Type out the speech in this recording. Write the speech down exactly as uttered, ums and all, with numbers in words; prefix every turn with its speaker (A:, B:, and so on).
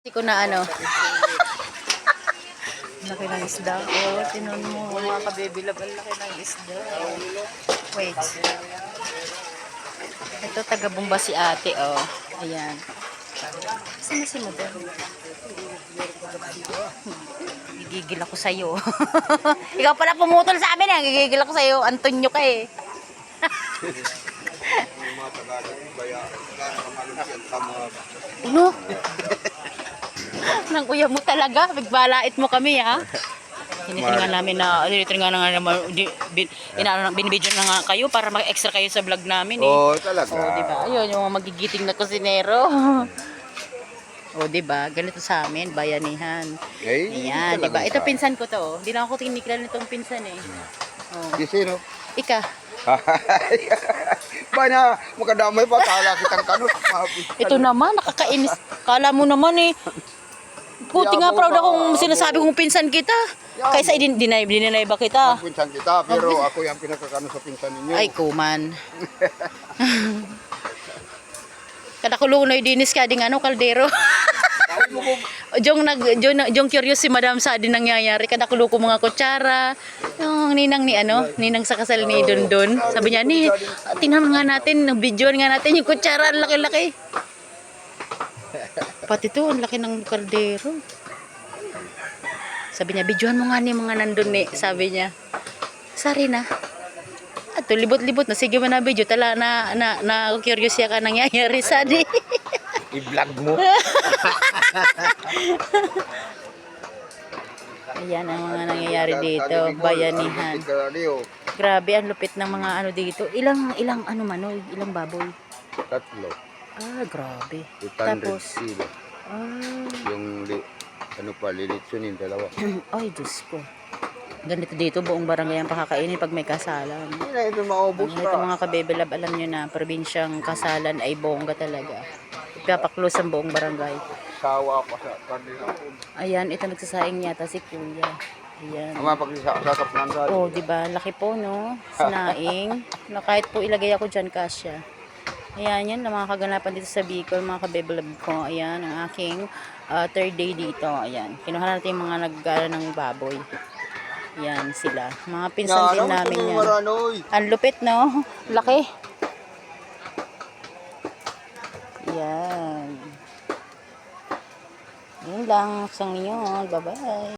A: Hindi ko na ano. Laki ng isda. Oh, tinon mo mga kabibilab. Ang laki ng isda. Wait. Ito taga-Bomba si ate. Oh. Ayan. Sino si Mother? Gigigil ako sa'yo. Ikaw pala pumutol sa amin eh. Gigigil ako sa'yo. Antonio ka eh. Ano? Nang kuya mo talaga, bigbalait mo kami ha. Tinitingnan namin na, tinitingnan na nga naman, bin, binibidyo na nga kayo para mag-extra kayo sa vlog namin eh.
B: Oo, oh, talaga.
A: Oo, diba? Ayun, yung mga magigiting na kusinero. O, diba? Ganito sa amin, bayanihan.
B: Eh,
A: ayan, diba? Ito pinsan ko to. Hindi na ako tinikla nitong pinsan eh. Oh.
B: Si sino?
A: Ika.
B: Ba na, makadamay pa, tala kitang kanot.
A: Ito naman, nakakainis. Kala mo naman eh. Buti nga proud akong sinasabi kong pinsan kita. Kaysa dinay, dinay ba kita?
B: Pinsan kita, pero ako yung pinakakano sa pinsan ninyo.
A: Ay, kuman. Kadakulong na dinis ka ding ano, kaldero. Jong nag jong, jong curious si Madam sa din nangyayari. Kadakulo ko mga kutsara. Yung ninang ni ano, ninang sa kasal ni Dondon. Sabi niya, "Ni, tingnan nga natin, videoan nga natin yung kutsara, ang laki-laki." Pati to, ang laki ng kaldero. Sabi niya, "Videoan mo nga ni mga nandun ni." Sabi niya. Sari na. Ato libot-libot na sige man na video tala na na, na curious ya ka nangyayari sa di.
B: I-vlog mo.
A: Ayan ang mga nangyayari dito, bayanihan. Grabe ang lupit ng mga ano dito. Ilang ilang ano manoy, ilang baboy?
B: Tatlo.
A: Ah, grabe.
B: Tapos kilo.
A: Ah,
B: yung li, ano pa, lilitsunin dalawa.
A: ay Diyos ko. Ganito dito, buong barangay ang pakakainin pag may kasalan.
B: Hindi na ito maubos
A: Ito mga kabebilab, alam nyo na, probinsyang kasalan ay bongga talaga. Ipapaklos ang buong barangay.
B: Sawa pa sa kanila.
A: Ayan, ito nagsasaing yata si Kuya. Ayan.
B: Ang mga pagsasakap ng dali.
A: Oh, di ba? Laki po, no? Sinaing. Na kahit po ilagay ako dyan, kasya. Ayan, yan. Ang mga kaganapan dito sa Bicol, mga kabebilab ko. Ayan, ang aking uh, third day dito. Ayan. Kinuha natin yung mga nag-gala ng baboy. Yan sila. Mga pinsan din namin yan. Ang lupit, no? Laki. Yan. Yun lang. Sang ninyo. Bye-bye.